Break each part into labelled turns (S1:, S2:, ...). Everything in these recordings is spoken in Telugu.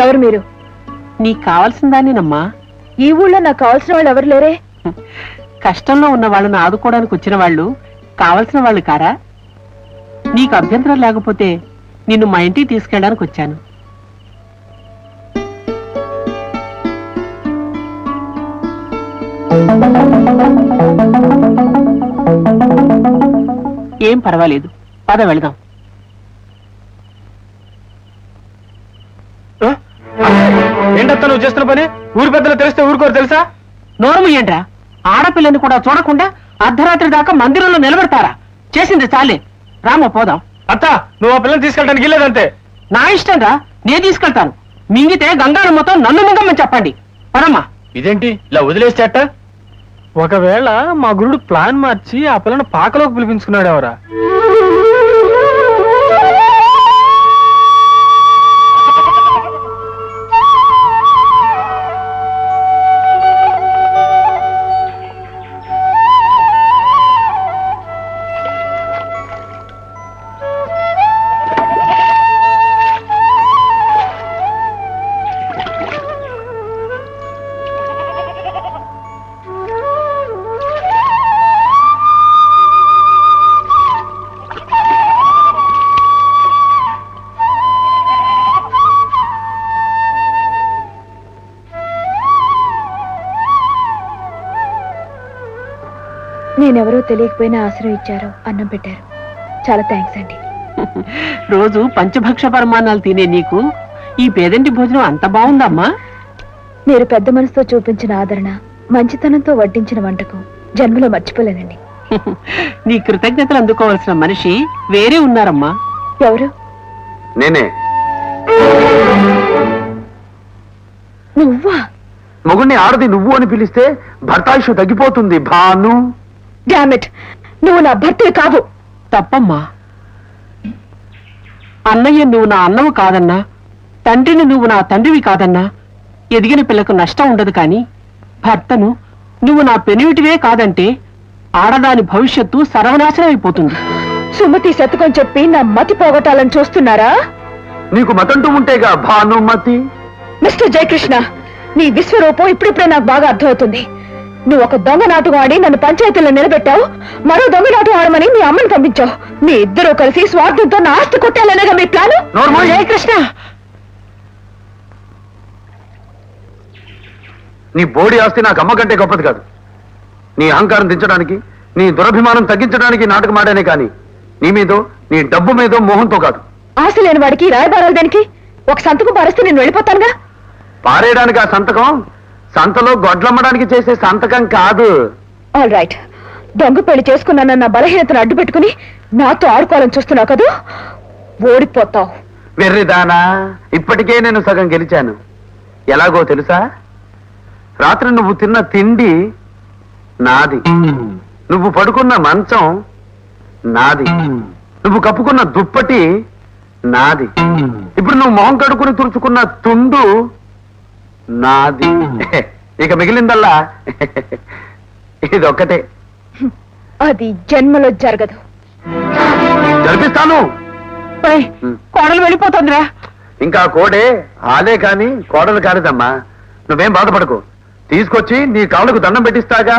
S1: ఎవరు మీరు?
S2: నీకు కావాల్సిన దాన్నేనమ్మా.
S1: ఈ ఊళ్ళో నాకు కావాల్సిన వాళ్ళు ఎవరు లేరే?
S2: కష్టంలో ఉన్న వాళ్ళను ఆదుకోవడానికి వచ్చిన వాళ్ళు కావలసిన వాళ్ళు కారా? నీకు అభ్యంతరం లేకపోతే నిన్ను మా ఇంటికి తీసుకెళ్ళడానికి వచ్చాను. ఏం పర్వాలేదు, పద వెళదాం.
S3: ఏంటత్తా నువ్వు చేస్తున్న పని? ఊరి పెద్దలు తెలిస్తే ఊరుకోరు తెలుసా?
S2: నోరము ఏంట్రా? ఆడపిల్లని కూడా చూడకుండా అర్ధరాత్రి దాకా మందిరంలో నిలబెడతారా? చేసింది చాలే, రామ పోదాం.
S3: అత్త, నువ్వు ఆ పిల్లని తీసుకెళ్ళడానికి వెళ్ళలేదంతే.
S2: నా ఇష్టం రా, నేను తీసుకెళ్తాను. మింగితే గంగానమ్మతో నన్ను మింగమని చెప్పండి. పదమ్మా.
S3: ఇదేంటి ఇలా వదిలేస్తే అట్ట? ఒకవేళ మా గురుడు ప్లాన్ మార్చి ఆ పిల్లని పాకలోకి పిలిపించుకున్నాడు ఎవరా?
S1: నేనెవరో తెలియకపోయినా ఆశ్రయం ఇచ్చారు, అన్నం పెట్టారు. చాలా థ్యాంక్స్ అండి.
S2: రోజు పంచభక్ష పరమాన్నాలు తినే నీకు ఈ పేదంటి భోజనం అంత బాగుందమ్మా.
S1: మీరు పెద్ద మనసుతో చూపించిన ఆదరణ, మంచితనంతో వడ్డించిన వంటకం జన్మలో మర్చిపోలేనండి.
S2: నీ కృతజ్ఞతలు అందుకోవాల్సిన మనిషి వేరే ఉన్నారమ్మా.
S1: ఎవరు?
S4: నేనే.
S1: నువ్వా?
S4: మొగుణ్ణి ఆడది నువ్వు అని పిలిస్తే భర్తాయుషు తగ్గిపోతుంది భాను.
S1: డామిట్, నువ్వు నా భర్తవి కావు.
S2: తప్పమ్మా. అన్నయ్య నువ్వు నా అన్నవు కాదన్నా, తండ్రిని నువ్వు నా తండ్రివి కాదన్నా ఎదిగిన పిల్లకు నష్టం ఉండదు. కాని భర్తను నువ్వు నా పెనివిటివే కాదంటే ఆడదాని భవిష్యత్తు సర్వనాశనం అయిపోతుంది.
S1: సుమతి శతకం చెప్పి నా మతి పోగొట్టాలని చూస్తున్నారా?
S4: నీకు మతంటూ ఉంటేగా భానుమతి.
S1: మిస్టర్ జయకృష్ణ, నీ విశ్వరూపం ఇప్పుడిప్పుడే నాకు బాగా అర్థమవుతుంది. నువ్వు ఒక దొంగ నాటకం ఆడి నన్ను పంచాయతీలో నిలబెట్టావు, మరో దొంగ నాటకం ఆడమని మీ అమ్మని పంపించావు. మీ ఇద్దరూ కలిసి స్వార్థంతో నా ఆస్తి కొట్టాలనేగా మీ ప్లాను.
S2: జయకృష్ణ,
S4: నీ బోడి ఆస్తి నాకు అమ్మ కంటే గొప్పది కాదు. నీ అహంకారం దించడానికి, నీ దురభిమానం తగ్గించడానికి నాటకం ఆడానే కానీ నీ మీదో నీ డబ్బు మీదో మోహంతో కాదు.
S1: ఆశ లేని వాడికి రాయబారాలు దానికి ఒక సంతకం పారేస్తే నేను వెళ్ళిపోతానుగా.
S4: పారేయడానికి ఆ సంతకం సంతలో గొడ్లమ్మడానికి చేసే సంతకం కాదు.
S1: ఆల్ రైట్, దొంగ పెళ్లి చేసుకున్నానన్న బలహీనతను అడ్డు పెట్టుకుని నాతో ఆడుకోవాలని చూస్తున్నావు కదూ, ఓడిపోతావు.
S4: వెర్రిదానా, ఇప్పటికే నేను సగం గెలిచాను. ఎలాగో తెలుసా? రాత్రి నువ్వు తిన్న తిండి నాది, నువ్వు పడుకున్న మంచం నాది, నువ్వు కప్పుకున్న దుప్పటి నాది, ఇప్పుడు నువ్వు మొహం కడుకుని తుడుచుకున్న తుండు నాది. ఇక మిగిలిందల్లా ఇదొక్కటే.
S1: అది జన్మలో జరగదు.
S4: జరిపిస్తాను.
S2: కోడలు వెళ్ళిపోతుందిరా.
S4: ఇంకా కోడే ఆలే కాని కోడలు కాలేదమ్మా. నువ్వేం బాధపడకు, తీసుకొచ్చి నీ కాళ్ళకు దండం పెట్టిస్తాగా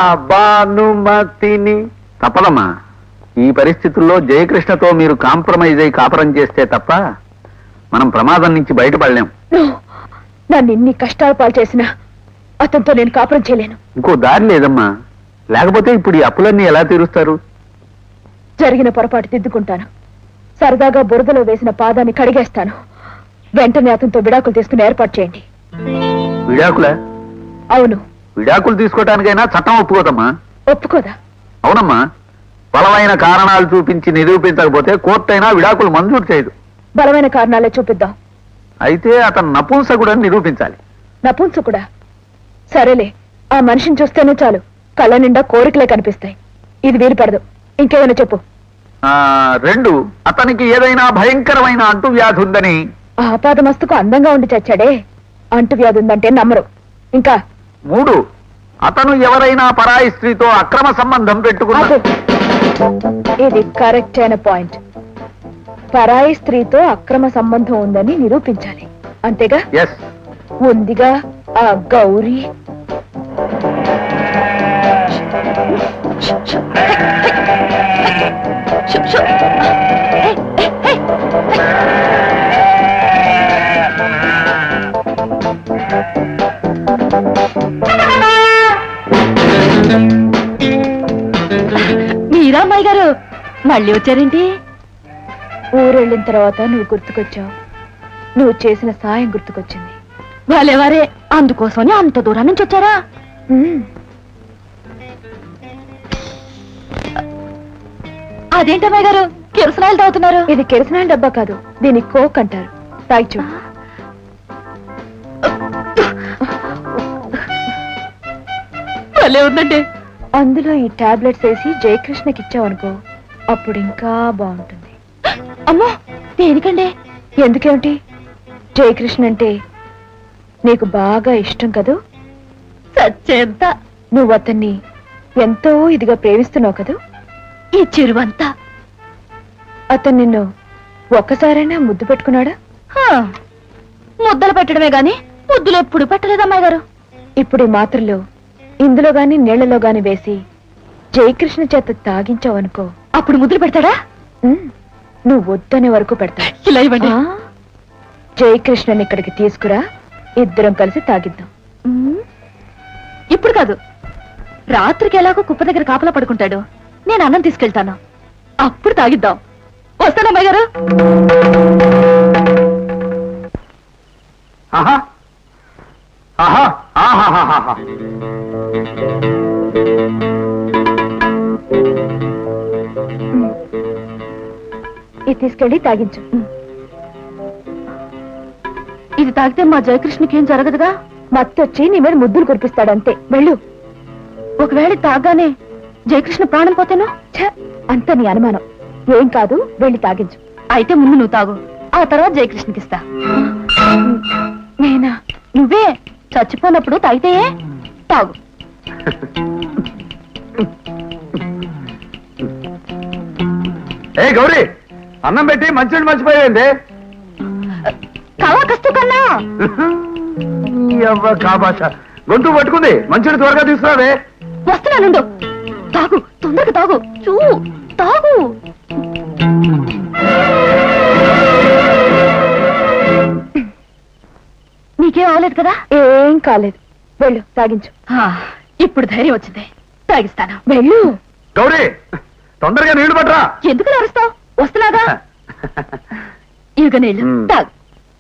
S4: భానుమతిని. తప్పదమ్మా, ఈ పరిస్థితుల్లో జయకృష్ణతో మీరు కాంప్రమైజ్ అయి కాపురం చేస్తే తప్ప మనం ప్రమాదం నుంచి బయటపడలేం.
S1: నన్ను ఇన్ని కష్టాలు పాలు చేసినా అతనితో నేను కాపురం చేయలేను.
S4: ఇంకో దారి లేదమ్మా, లేకపోతే ఇప్పుడు ఈ అప్పులన్నీ ఎలా తీరుస్తారు?
S1: జరిగిన పొరపాటు దిద్దుకుంటాను. సరదాగా బురదలో వేసిన పాదాన్ని కడిగేస్తాను. వెంటనే అతనితో విడాకులు తీసుకుని ఏర్పాటు చేయండి.
S4: విడాకులా?
S1: అవును.
S4: విడాకులు తీసుకోవటానికైనా చట్టం ఒప్పుకోదమ్మా.
S1: ఒప్పుకోదా?
S4: అవునమ్మా, బలమైన కారణాలు చూపించి నిరూపించకపోతే కోర్టు అయినా విడాకులు మంజూరు చేయదు.
S1: బలమైన కారణాలే చూపిద్దాం.
S4: అయితే అతను నపుంసకుడని నిరూపించాలి.
S1: నపుంసకుడా? సరేలే, ఆ మనిషిని చూస్తేనే చాలు కళ్ళ నిండా కోరికలే కనిపిస్తాయి. ఇది వీలు పడదు. ఇంకేమైనా చెప్పు.
S4: 2, అతనికి ఏదైనా భయంకరమైన అంటువ్యాధి ఉందని.
S1: ఆపాదమస్తుకు అందంగా ఉండి చచ్చాడే, అంటువ్యాధి ఉందంటే నమ్మరు. ఇంకా
S4: 3, అతను ఎవరైనా పరాయి స్త్రీతో అక్రమ సంబంధం పెట్టుకున్నాడు.
S1: ఇది కరెక్ట్ అయిన పాయింట్. పరాయి స్త్రీతో అక్రమ సంబంధం ఉందని నిరూపించాలి. అంతేగా
S4: ఎస్.
S1: ఉందిగా ఆ గౌరీ.
S5: మీరా అమ్మాయి గారు మళ్ళీ వచ్చారేంటి?
S1: ఊరెళ్ళిన తర్వాత నువ్వు గుర్తుకొచ్చావు. నువ్వు చేసిన సాయం గుర్తుకొచ్చింది.
S5: వాళ్ళెవరే అందుకోసమని అంత దూరం నుంచి వచ్చారా?
S1: ఉమ్,
S5: అదేంటమ్మాయి గారు కిరసనాయలు తాగుతున్నారు?
S1: ఇది కిరసనాయిల డబ్బా కాదు, దీన్ని కోక్ అంటారు. తాగి చూడు.
S5: భలే ఉందండి.
S1: అందులో ఈ టాబ్లెట్స్ వేసి జయకృష్ణకి ఇచ్చావనుకో, అప్పుడు ఇంకా బాగుంటుంది.
S5: అమ్మో దేనికండి?
S1: ఎందుకేమిటి, జయకృష్ణ అంటే నీకు బాగా ఇష్టం కదూ.
S5: సచ్చేంత
S1: నువ్వు అతన్ని ఎంతో ఇదిగా ప్రేమిస్తున్నావు కదూ.
S5: ఈ చిరువంతా
S1: అతను నిన్ను ఒక్కసారైనా ముద్దు పెట్టుకున్నాడా?
S5: హా, ముద్దలు పెట్టడమే గాని ముద్దులు ఎప్పుడు పెట్టలేదమ్మాయి గారు.
S1: ఇప్పుడు ఈ మాత్రలు ఇందులో గాని నీళ్లలో గాని వేసి జయకృష్ణ చేత తాగించావనుకో,
S5: అప్పుడు ముద్దులు పెడతాడా?
S1: ఉమ్, నువ్వు వద్దనే వరకు పెడతా.
S5: ఇలా ఇవ్వండి.
S1: జయకృష్ణని ఇక్కడికి తీసుకురా, ఇద్దరం కలిసి తాగిద్దాం.
S5: ఉమ్, ఇప్పుడు కాదు, రాత్రికి ఎలాగో కుప్ప దగ్గర కాపలా పడుకుంటాడు. నేను అన్నం తీసుకెళ్తాను, అప్పుడు తాగిద్దాం. వస్తానమ్మాయి గారు.
S4: ఆహా ఆహా ఆహాహాహా.
S1: ఇది తీసుకెళ్ళి తాగించు.
S5: ఇది తాగితే మా జయకృష్ణకి ఏం జరగదుగా?
S1: మత్తొచ్చి నీ మీద ముద్దులు కురిపిస్తాడంతే. వెళ్ళు.
S5: ఒకవేళ తాగానే జయకృష్ణ ప్రాణం పోతేనో?
S1: ఛ, అంత నీ అనుమానం. ఏం కాదు, వెళ్ళి తాగించు.
S5: అయితే ముందు నువ్వు తాగు, ఆ తర్వాత జయకృష్ణకి ఇస్తా.
S1: నేనా?
S5: నువ్వే చచ్చిపోయినప్పుడు తాగితే తాగు.
S4: ఏ గౌరీ, అన్నం పెట్టి మంచినీళ్ళు మర్చిపోయింది.
S5: కవా కస్తు కన్నా
S4: కాబాష గొంతు పట్టుకుంది. మంచినీళ్ళు త్వరగా తీసుకురావే.
S5: వస్తున్నానుండు. తాగు, తొందరగా తాగు. తాగు. నీకేం అవలేదు కదా?
S1: ఏం కాలేదు. వెళ్ళు, తాగించు.
S5: ఇప్పుడు ధైర్యం వచ్చింది, తాగిస్తాను.
S1: వెళ్ళు.
S4: గౌరీ, తొందరగా నీళ్లు పట్టరా.
S5: ఎందుకు అరుస్తావు? వస్తున్నాగా. ఇక నీళ్ళు తాగు.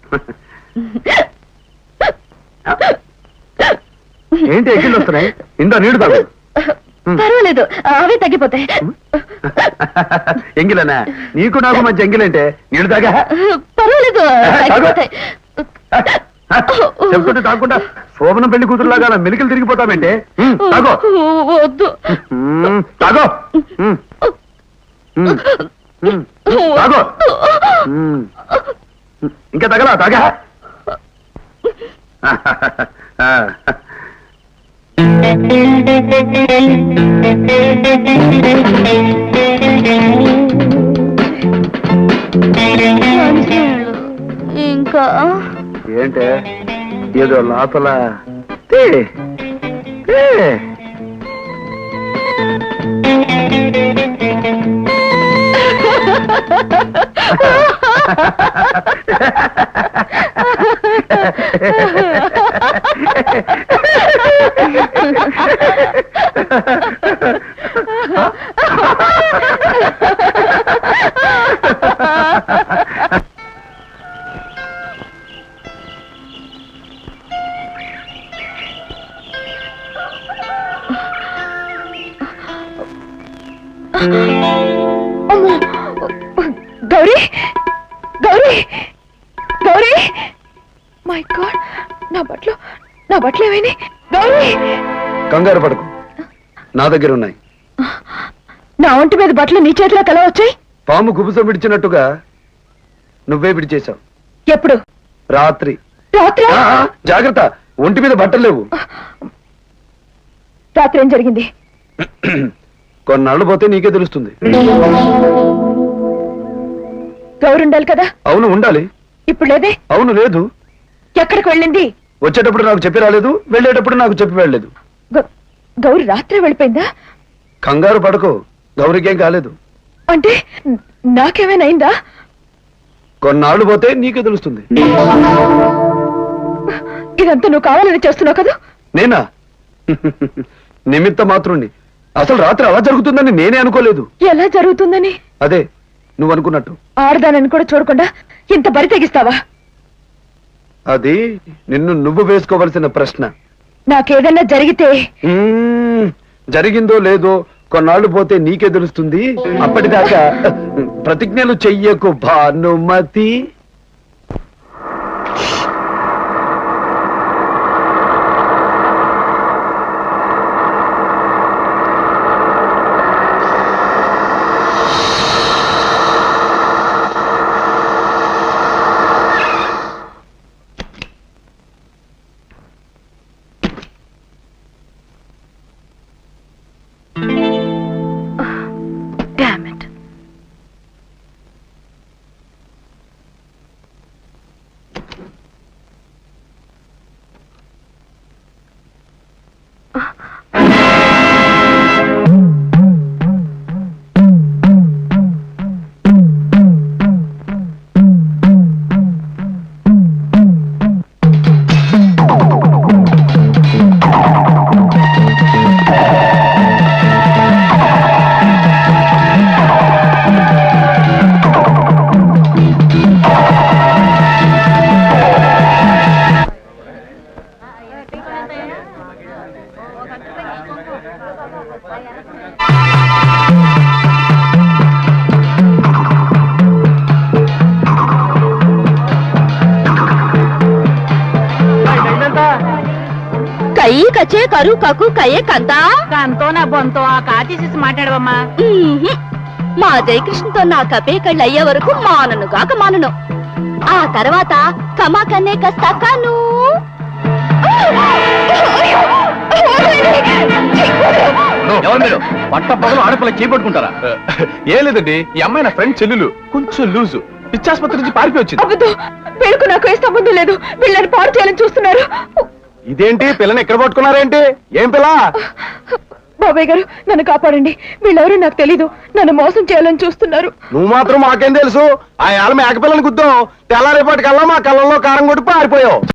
S4: ఏంటి ఎక్కిళ్ళు వస్తున్నాయి? ఇందా నీళ్లు తాగు.
S5: పర్వాలేదు, అవే తగ్గిపోతాయి.
S4: ఎంగిలనా? నీకు నాకు మంచి ఎంగిలంటే నీళ్లు తాగా.
S5: పర్వాలేదు, తగ్గిపోతాయి.
S4: చెప్తుంటే తాగకుండా శోభనం పెళ్లి కూతురులాగా మెలికలు తిరిగిపోతామంటే. తాగో.
S5: వద్దు.
S4: తాగో. తాగో. ఇంకా తగలా? తాగా.
S5: ఇంకా
S4: ఏంటే ఏదో లోపల
S1: గౌరీ, గౌరీ, గౌరీ! మై గాడ్, నా బట్టలు ఏమైనాయి? గౌరీ!
S4: కంగారు పడకు, నా దగ్గర ఉన్నాయి.
S1: నా ఒంటి మీద బట్టలు నీ చేతిలో కల వచ్చాయి?
S4: పాము కుబుసం విడిచినట్టుగా నువ్వే విడిచేశావు.
S1: ఎప్పుడు?
S4: రాత్రి.
S1: రాత్రి?
S4: జాగ్రత్త, ఒంటి మీద బట్టలు లేవు.
S1: రాత్రి ఏం జరిగింది?
S4: కొన్నాళ్ళు పోతే నీకే తెలుస్తుంది.
S1: గౌరు ఉండాలి కదా?
S4: అవును ఉండాలి.
S1: ఇప్పుడు లేదే?
S4: అవును లేదు.
S1: ఎక్కడికి వెళ్ళింది?
S4: వచ్చేటప్పుడు నాకు చెప్పి రాలేదు, వెళ్ళేటప్పుడు నాకు చెప్పి వెళ్ళలేదు.
S1: గౌరి రాత్రి వెళ్ళిపోయిందా?
S4: కంగారు పడకు, గౌరికేం కాలేదు.
S1: అంటే నాకేమైనా అయిందా?
S4: కొన్నాళ్ళు పోతే నీకే తెలుస్తుంది.
S1: ఇదంతా నువ్వు కావాలని చేస్తున్నావు కదా?
S4: నేనా? నిమిత్త మాత్రుణ్ణి. అసలు రాత్రి అలా జరుగుతుందని నేనే అనుకోలేదు.
S1: ఎలా జరుగుతుందని?
S4: అదే నువ్వు అనుకున్నట్టు.
S1: ఆడదానని కూడా చూడకుండా ఇంత బరి తెగిస్తావా?
S4: అది నిన్ను నువ్వు వేసుకోవలసిన ప్రశ్న.
S1: నాకేదన్నా జరిగితే
S4: జరిగిందో లేదో కొన్నాళ్ళు పోతే నీకే తెలుస్తుంది. అప్పటిదాకా ప్రతిజ్ఞలు చెయ్యకు భానుమతి.
S1: Damn it.
S5: కై కచే కరు కకు కయ్యే కంత
S6: దాంతో నా బొంతో ఆ కాతీసేసి మాట్లాడవమ్మా.
S5: మా జయకృష్ణతో నా కపే కళ్ళు అయ్యే వరకు మానను మానను. ఆ తర్వాత కమాకన్నే కస్తా కాను.
S3: పట్ట పగలు ఆడపిల్ల చేపట్టుకుంటారా? ఏం లేదండి, ఈ అమ్మాయి నా ఫ్రెండ్ చెల్లెలు, కొంచెం లూజు. పిచ్చాసుపత్రి నుంచి పారిపోయి వచ్చింది.
S1: అబద్ధం. వీళ్ళకు నాకు ఏ సంబంధం లేదు. వీళ్ళని పాడు చేయాలని చూస్తున్నారు.
S3: ఇదేంటి పిల్లని ఎక్కడ పట్టుకున్నారేంటి? ఏం పిల్ల?
S1: బాబాయ్ గారు నన్ను కాపాడండి. వీళ్ళెవరూ నాకు తెలీదు. నన్ను మోసం చేయాలని చూస్తున్నారు.
S3: నువ్వు మాత్రం మాకేం తెలుసు? ఆ ఏళ్ళ మేకపిల్లని గుద్దాం, తెల్లారేపటికల్లా మా కళ్ళల్లో కారం కొట్టి పారిపోయావు.